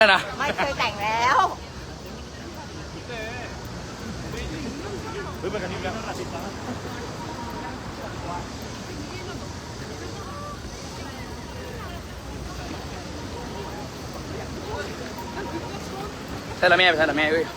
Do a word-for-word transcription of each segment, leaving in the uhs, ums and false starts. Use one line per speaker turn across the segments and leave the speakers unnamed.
นะ
ไม่เคยแต่งแล้ว
เฮ้ยมันกระทิบแล้วใช่ละแม่ใช่ละแม่เอ้ย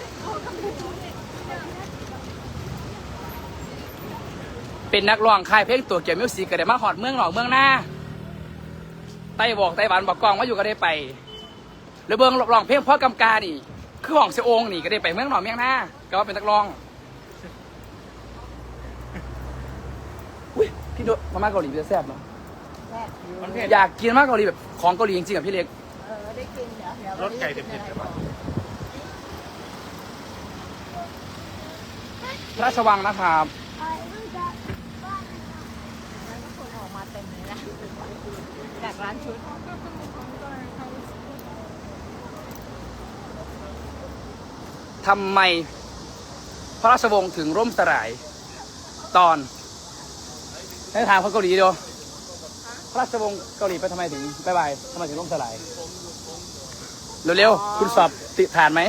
เป็นนักร้องค่ายเพลงตัวเกี่ยวมิวสิกก็ได้มาหอดเมืองหนอกเมืองหน้าไต้บอกไต้หวันบอกกองว่าอยู่ก็ได้ไปหรือเบิ้งร้องเพลงพ่อกำกานี่คือของเสียองนี่ก็ได้ไปเมืองหนอกเมืองหน้าก็ว่าเป็นนักร้องอุ้ยพี่โดมาม่าเกาหลีเป็นแซ่บเนาะอยากกินมากเกาหลีแบบของเกาหลีจริงๆกับพี่เล็ก
เออได้กินเดี๋ยวเดี๋ยว
รสไก่เผ็ดๆใช่ปะพระราชวังนะครับ
คนออกมาเต็มเลยนะจากร้านชุด
ทำไมพระราชวงศ์ถึงร่มสลายตอนให้ถามคนเกาหลีดูพระราชวงศ์เกาหลีไปทำไมถึงบายบายทำไมถึงร่มสลายเร็วๆคุณสอบติดฐานไหม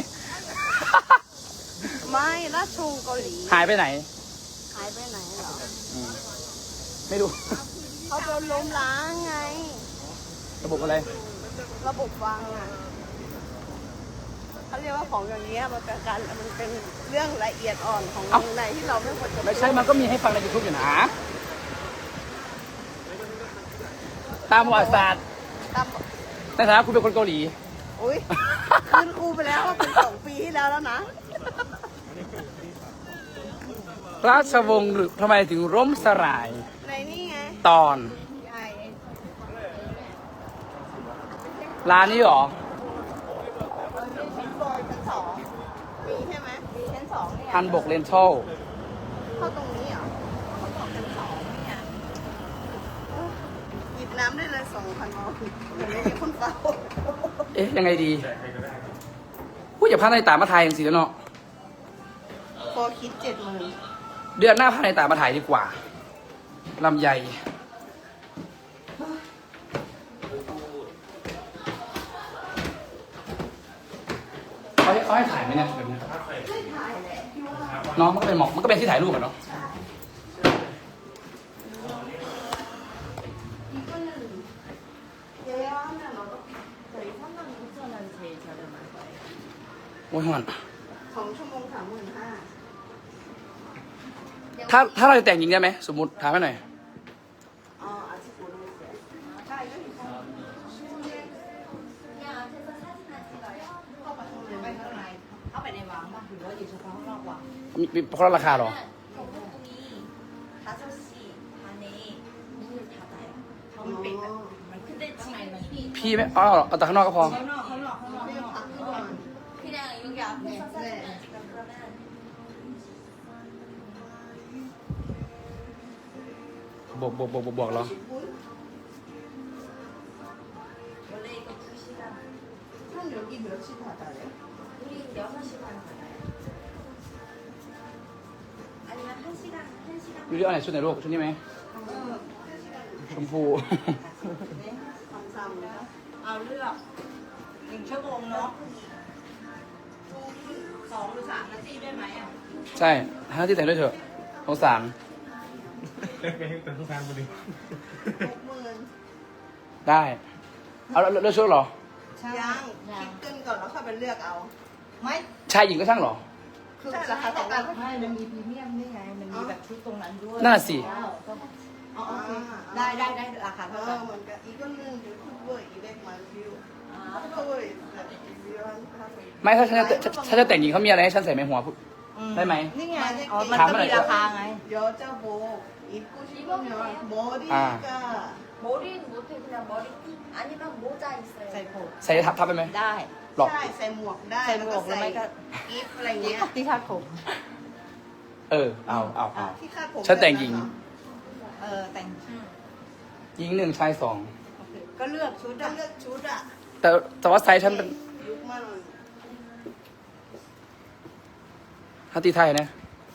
ไม่ราชวงศ์เกาหลี
หายไปไหน
หายไปไหนเหรอ
ไม่รู้
เขาโดนล้มล้างไง
ระบบอะไร
ระบบวังอ่ะเขาเรียกว่าของอย่างเงี้ยมันเป็นการมันเป็นเรื่องละเอียดอ่อนของในที่เราไม่ควรจะ
ไม่ใช่มันก็มีให้ฟังในยูทูบอยู่นะตามประวัติศาสตร์
ตาม
ในฐานะคุณเป็นคนเกาหลี
อุ้ยคืนครูไปแล้วว่าเป็นสองปีที่แล้วแล้วนะ
ราชวงศ์หรือทำไมถึงร่มสลาย
ในนี่ไง
ตอน
ใหญ่
ร้านนี้เหรอ
ชั้นสองมีใช่ไหมมีชั้นสองเนี่ย
ฮันบกเรนทัล
เข้าตรงนี้เหรอเขาบอกชั้นสองเนี่ยหยิบน้ำได้เลยสองพันออเหมือนไม่มีคนเฝ้า
เอ๊ะยังไงดีพูดอย่าพลาดในตามาถ่ายอย่างสิแล้วเนาะ
พอคิดเจ็ดหมื่น
เดือนหน้าพลาดในตามาถ่ายดีกว่าลำไยเขาให้เขาให้ถ่ายไหมเนี่ยแบบนี้
ไม่ถ่ายแหละที่ว่า
น้องมันก็เป็นหมอกมันก็เป็นที่ถ่ายรูปอะเนาะ
อีกคนหนึ่งเจ๊ว่าเนี่ยเราต้องใส่ท่านนั่งเจ้านันเชยจะเดินมาไป
โอ้ยหอน
สองชั่วโมงสามหมื่นห้า
ถ้าถ้าเราจะแต่งหญิงได้ไหมสมมติถามให้หน่อย
อ๋ออาชีพโรงเรียนใช่ก็อยู่ข้างเข้าไปข้างในไปข้างในเข้าไปในวังป่ะหรือว่าอยู่เฉพาะข้างนอกวัง
มีมีเพราะราคาเหรอ
다섯 시 반에 문을 닫아요. 정말 근데 지금
พี่ไม่เอาเอาแต่ข้างนอกก็พอ
ข้างนอกข้างนอกข้างนอกไม่ต้องพักข้างนอก
그냥 여기 앞에서 사진
네.
찍어 그러면
บวกบวกบวกบวกบวกเหรอ
원래 이거 두 시간,
한 여기 몇시 닫아요?
우리 여섯 시간 받아요. 아니면 한 시간, 한 시간.
ดูดิเอาไหนชุดไหนลูกชุดนี้ไหม
เออห้าสิบนาที
ชมพู
เนี่ยซ้ำๆนะเอาเลือกหนึ่งชั่วโมงเนาะสองหรือสามนาทีได้ไหมอ่ะ
ใช่ห้าที่แต่งด้วยเถอะสงสาร
ไปให้ตัวทุกทางพอดี
หกหมื่น
ได้ เอาแล้วเลือกชุดเหรอ
ยังคิดขึ้นก่อนแล้วค่อยไปเลือกเอา ไม่
ชายหญิงก็ช่างเหรอ
คือราคาเท่ากัน
ไม่มันมีพรีเมียมนี่ไง มันมีแบบชุดตรงนั้นด้วย
นั่นนะสิ
อ๋อโอเคได้ได้ได้ราคาเท่ากันเหมือนกันอีกคนนึงเดี๋ยวคุณเบอร์อีเล็กมาวิวก็เบอร์แบบวิวห้าสิบ
ไม่ถ้าฉันจะถ้าจะแต่งหญิงเขามีอะไรให้ฉันใส่ไหมหัวได้ไหม
นี่ไง
네.
อ๋อ มันก็มีราคาไง
여자복 입고 싶으면 머리가
머리는 못해 그냥 머리띠 아니면 모자 있어요.
ใส่ผม
ใส่ทับทับไปไหม
ได้
หรอก
ใช่ใส่หมวกได้
ใส่หมวก
แล้
แล้ว วไม่
ก็
ก็
อีฟอะไรเงี้ย
ที่คาดผม
เออเอาเอาเอา
ที่คาดผม
ฉันแต่งหญิง
เออ แต่ง
หญิงหนึ่งชายสอง
ก็เลือกชุด
ต้อ
อะ
งเลือกชุดอะ
แต่แต่ว่าไซส์ฉันเป็น
ยุคมัน
ฮัตตีไทยนะ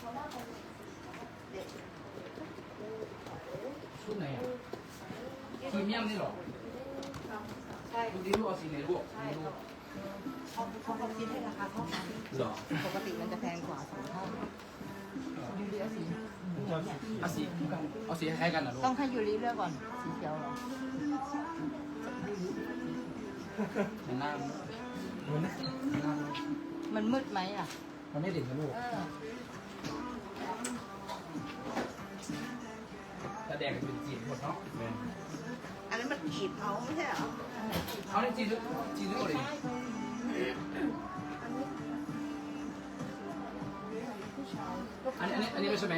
ชุดไหนอ่ะพรีเมียมนี่หรอ
ใช่
ดูดิลูกเอาสีไหนลูก
ใช่ครับ
คิดให้ราคาเท่ากัน
หรอ
ปกติมันจะแพงกว่าสองเท่ายูริเอาสี
เอาสีเอาสีคล้ายๆกันเหรอลูก
ต้องให้ยูริเลือกก่อนสีเขียวเหรอ
เห็นหน้ามัน
มันมืดไหมอ่ะ
มันไม่เด่นนะลูก
เออ
แต่แดงเป็นจีนหมดเนาะ
อันนั้นมันกรีบเขาไม่ใช่เหรอ
เขาในจีนจีนหมดเลยอันนี้อันนี้อันนี้ไม่ใช่ไหม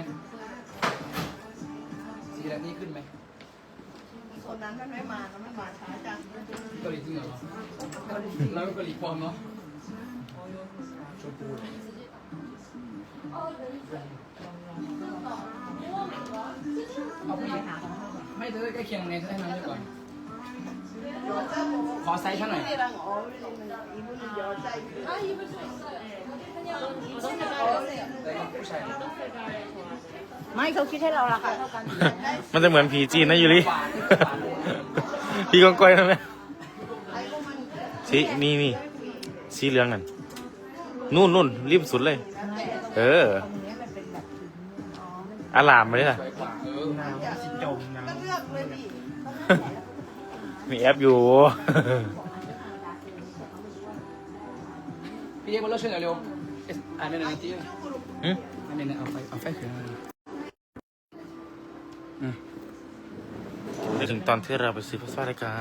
สีแบบนี้ขึ้นไหม
โซนนั้นมันไม่มาแล้วมันมาช้าจัง
เกาหลีจริงเหรอเราเกาหลีปลอมเนาะชมพูเอาผู้หญิงไม่เธอใกล้เคียงไงให้มันได้ก่อนขอไซส์เท่าไหร่
이랑 어울리는 이분은 여자이고
아 입을 수 있어요. 그냥 신을 어우세요.
แต่ผู้ชาย
ไม่เขาคิดให้เราราคาเท่ากัน
มันจะเหมือนผีจีนนะยูริ พี่กองก้อยนะแม่สีนี่นี่สีเหลืองนั่นนู่นนู่นริมสุดเลย เออ
ตรงนี้มันเป็นแบบอ๋อมัน
อารามมาเลยล่ะ
สวยกว่าเออ
จมนะก็เลือกเลยดิ
มีแอปอยู่
พี่เอ็กซ์มาเลิกช่วยหน่อยเร็วเอสอ่านในหนังจีน
หึ
อันนี้เอาไฟเอาไฟขึ้นมาอืม
จะถึงตอนที่เราไปซื้อพัสดุรายการ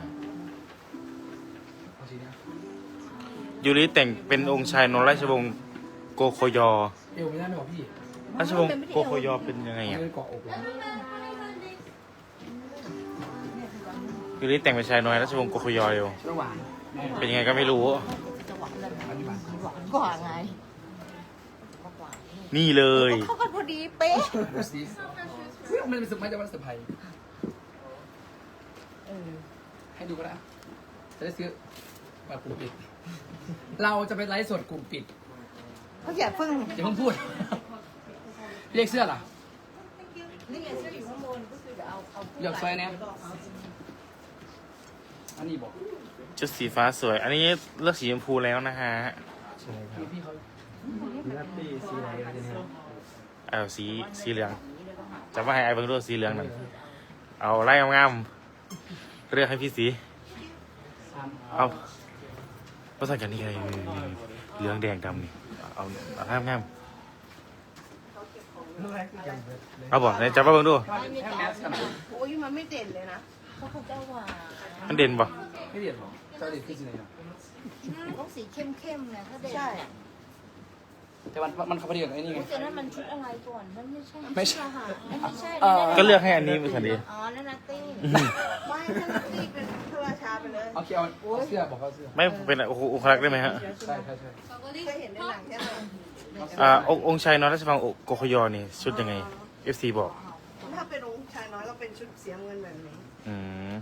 เอาสีนี้
ยูริแต่งเป็นองค์ชายนนท์ราชวงศ์โกโคยอ
เอวไม่ได้ไม่บอกพี่
ราชวงศ์โกโคยอเป็นยังไง
ไม่
อ่ะ
ได้เกาะอกเลย
ยูริแต่งเป็นชายน้อยราชวงศ์โกโคยอเร็ว
ระหว่างแม่
เป็นยังไงก็ไม่รู้
จะหวานเลย
อันนี้บ้าง
หวานกว่าไงหวาน
นี่เลย
เข้ากันพอดีเป๊ะ
ดูสิเฮ้ยมันเป็นสุดไหมจะว่าเซอร์ไพรส์
เออ
ให้ดูก็ได้จะได้ซื้อบัตรกลุ่มปิด เราจะไปไลฟ์สดกลุ่มปิด
เขาอย่าเพิ่ง
อย่าเพิ่งพูด เรียกเสื้อล่ะ
นี่ไงเสื้ออยู่ข้างบนก็คือเดี๋ยวเอาเอา
อยากใส่เนี่ยอันนี้บอก
ชุดสีฟ้าสวย อันนี้เลือกสีชมพูแล้วนะฮะ
พี่พี่เขา
เอาสีสีเหลืองจะว่าให้ไอ้เบิ่งดูสีเหลืองนั่นเอาไล่งามๆเลือกให้พี่สี เอาภาษากันนี่ไงเหลืองแดงดำนี่เอาเอางามงามๆเอาบอกไหนจับมาเบิ่งดู
ให้แมสกันหน่อย
โอ้ยมันไม่เด่นเลยนะ
เขาเขาจะหวาน
มันเด่นบ่
ไม่เดียดหรอเจ้าเด็ดขึ้นสิไหนอ่ะ
ต้องสีเข้มๆเนี่ยถ้าเด่น
ใช่
แต่มันมันเขาพอดีกับไอ้นี่ไง
แต่นั้นมันชุดอะไรก่อนมันไม่ใช่
ไม่ใช่
มันไม่ใช่
เออ
ก็เลือกให้อันนี้เป็นสันดี
อ๋อนั่นนัตตี้
ไม่ถ้านักตีเป็นเทวชาไปเลย
เอาเคียวเอาเสื้อบอกเขาเสื้อ
ไม่เป็นโอ้โหองครักษ์ได้ไหมฮะ
ใช่ใช่ใช่
เคยเห็นในหนังแค่ไหน
อ่าองค์องค์ชายนอนราชวังโกโคยอนี่ชุดยังไง เอฟ ซี บอก
ถ้าเป็นองค์ชายน้อยก็เป็นชุดเสียเงินแบบนี้
อืม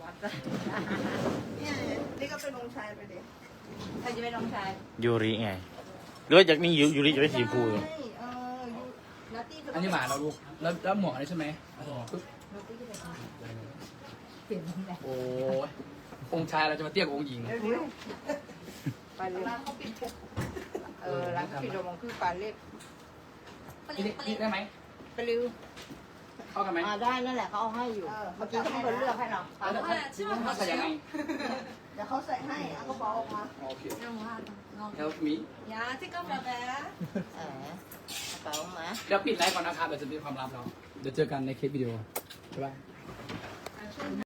เนี่ยนี่ก็เป็นองค์ชายไปดิ
ใครจะเป็นน้องชาย
ยูริไงหรือว่าอยากนี่ยูยูริจะได้สีชมพูอยู่
เออยูนัตตี้ก็
อันนี้หมาเราลูกแล้วแล้วหมวกอันนี้ใช่ไหมปึ๊บ
นัตตี้ก็เป็นเปลี่ยนตำแหน่ง
โอ้ยองค์ชายเราจะมาเตี้ยกว่าองค์หญิง
เดี๋ยว
ไปเลยเออร้านเขาปิดโมงครึ่งปลาเล็บ
นี่นี่ได้ไหม
ไปริว
เข้ากันไหม
อ่าได้นั่นแหละเขาเอาให้อยู่เมื่อกี้เขาเป็นคนเลือกให้เรา
แล้วถ้าใส่ยังไง
เดี๋ยวเขาใส่ให้เอากระเป๋าออกมา
โอเค help me
야 잠깐만.
เออกระเป๋ามา
เดี๋ยวปิดไลฟ์ก่อนนะครับเดี๋ยวจะมีความลับเราเดี๋ยวเจอกันในคลิปวิดีโอบ๊ายบาย